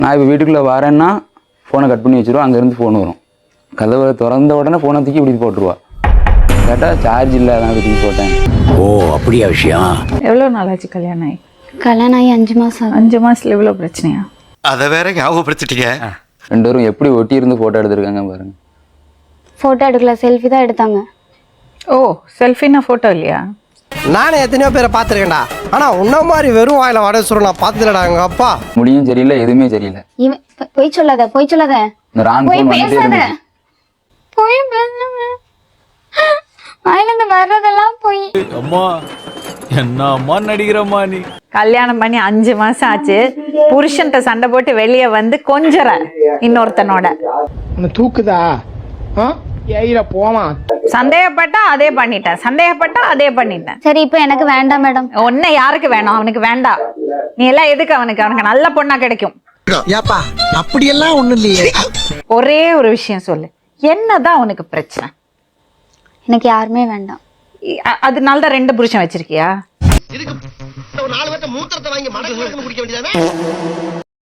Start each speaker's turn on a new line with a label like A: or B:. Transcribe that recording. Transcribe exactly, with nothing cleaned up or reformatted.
A: நான் இப்போ வீட்டுக்குள்ளே வரேன்னா ஃபோனை கட் பண்ணி வச்சுருவோம், அங்கேருந்து ஃபோன் வரும். கதவை திறந்த உடனே ஃபோனை தூக்கி இப்படி போட்டுருவா. கேட்டால் சார்ஜ் இல்லை, அதான் தூக்கி போட்டேன்.
B: ஓ அப்படியா விஷயம்.
C: எவ்வளோ நாளாச்சு கல்யாணம் ஆகி?
D: கல்யாணம் ஆகி அஞ்சு மாதம்.
C: அஞ்சு மாதத்தில் எவ்வளோ பிரச்சனையா?
E: அதை வேற ஞாபகப்படுத்திட்டீங்க.
A: ரெண்டு பேரும் எப்படி ஒட்டி இருந்து ஃபோட்டோ எடுத்திருக்காங்க பாருங்க.
D: ஃபோட்டோ எடுக்கல, செல்ஃபி தான் எடுத்தாங்க.
C: ஓ, செல்ஃபின்னா ஃபோட்டோ இல்லையா?
F: நானே எத்தனையோ பேரை பார்த்துருக்கேன்டா, ஆனால் உன்ன மாதிரி வெறும் வாயில வடை சொல்ல நான் பார்த்ததுலடா எங்கள் அப்பா.
A: முடியும் சரியில்லை, எதுவுமே சரியில்லை.
D: இவன் பொய் சொல்லாத, பொய் சொல்லாத,
A: இந்த ராங்
D: பொய்
A: ஃபோன் வந்துட்டே
D: பேசாத,
A: இருந்துச்சு.
D: பொய் பேசாத, வாயிலிருந்து வர்றதெல்லாம் பொய்.
G: அம்மா என்ன அம்மா நடிக்கிறம்மா நீ.
C: கல்யாணம் பண்ணி அஞ்சு மாசம் ஆச்சு, புருஷன்ட்ட சண்டை போட்டு வெளியே வந்து கொஞ்சற இன்னொருத்தனோட.
F: தூக்குதா போமா.
C: சந்தேகப்பட்டா அதே பண்ணிட்டேன், சந்தேகப்பட்டா அதே பண்ணிட்டேன்.
D: சரி, இப்போ எனக்கு வேண்டாம் மேடம்.
C: ஒன்னு யாருக்கு வேணும்? அவனுக்கு வேண்டாம். நீ எல்லாம் எதுக்கு அவனுக்கு? அவனுக்கு நல்ல பொண்ணா கிடைக்கும்.
F: ஏப்பா அப்படியெல்லாம் ஒண்ணும் இல்லையே.
C: ஒரே ஒரு விஷயம் சொல்லு, என்னதான் அவனுக்கு பிரச்சனை?
D: எனக்கு யாருமே வேண்டாம்.
C: அ- அதனால தான் ரெண்டு புருஷன் வச்சிருக்கியா?
F: நாலு பேர்த்த மூத்திரத்தை வாங்கி மடக்கு குடிக்க வேண்டியதானே.